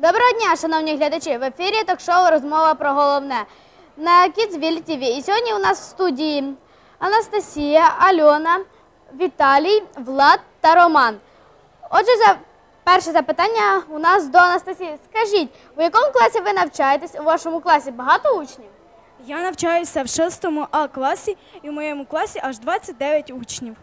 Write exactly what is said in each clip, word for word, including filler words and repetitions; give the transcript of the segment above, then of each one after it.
Доброго дня, шановні глядачі! В ефірі ток-шоу «Розмова про головне» на Kidsville ті ві. І сьогодні у нас в студії Анастасія, Альона, Віталій, Влад та Роман. Отже, за перше запитання у нас до Анастасії. Скажіть, у якому класі ви навчаєтесь? У вашому класі багато учнів? Я навчаюся в шостому А класі і в моєму класі аж двадцять дев'ять учнів.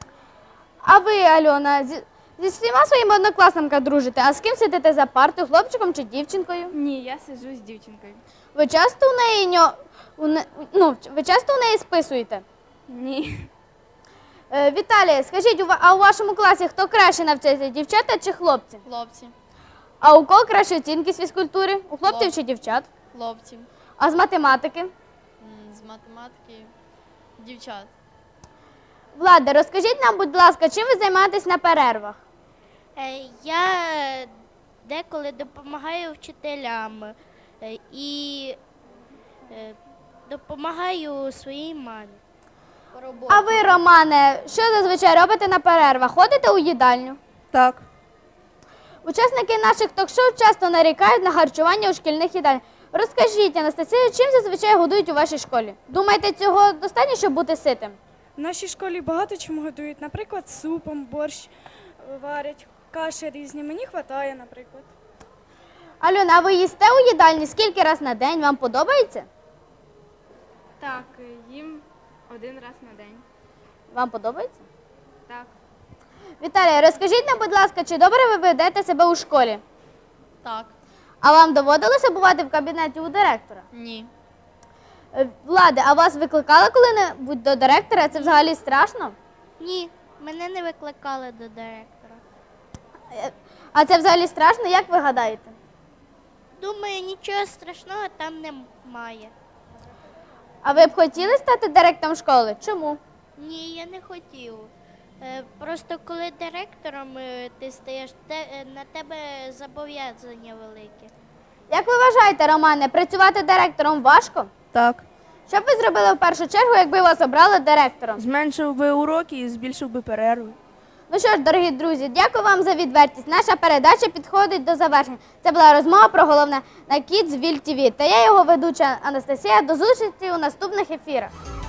А ви, Альона, зі, зі всіма своїми однокласниками дружите? А з ким сидите за партою, хлопчиком чи дівчинкою? Ні, я сиджу з дівчинкою. Ви часто у неї, ньо- у не- ну, ви часто у неї списуєте? Ні. Е, Віталій, скажіть, у ва- а у вашому класі хто краще навчається, дівчата чи хлопці? Хлопці, А у кого кращі оцінки з фізкультури? У хлопців Хлоп- чи дівчат? хлопці, А з математики? м, з математики, дівчат. Владе, розкажіть нам, будь ласка, чим ви займаєтесь на перервах? Е, Я деколи допомагаю вчителям е, і е, допомагаю своїй мамі. А ви, Романе, що зазвичай робите на перервах? Ходите у їдальню? Так. Учасники наших ток-шоу часто нарікають на харчування у шкільних їдальнях. Розкажіть, Анастасія, чим зазвичай годують у вашій школі? Думаєте, цього достатньо, щоб бути ситим? В нашій школі багато чому годують, наприклад, супом, борщ е, варять, каші різні. Мені вистачає, наприклад. Альона, а ви їсте у їдальні скільки раз на день? Вам подобається? Так, їм один раз на день. Вам подобається? Так. Віталій, розкажіть нам, будь ласка, чи добре ви ведете себе у школі? Так, А вам доводилося бувати в кабінеті у директора? ні, Е, Влади, а вас викликали коли-небудь до директора? Це взагалі страшно? Ні, мене не викликали до директора. Е, А це взагалі страшно, як ви гадаєте? Думаю, нічого страшного там немає. А ви б хотіли стати директором школи? Чому? Ні, я не хотів. Е, Просто коли директором е, ти стаєш, те- е, на тебе зобов'язання велике. Як ви вважаєте, Романе, працювати директором важко? Так. Що б ви зробили в першу чергу, якби вас обрали директором? Зменшив би уроки і збільшив би перерви. Ну що ж, дорогі друзі, дякую вам за відвертість. Наша передача підходить до завершення. Це була розмова про головне на Kidsville ті ві. Та я його ведуча Анастасія. До зустрічі у наступних ефірах.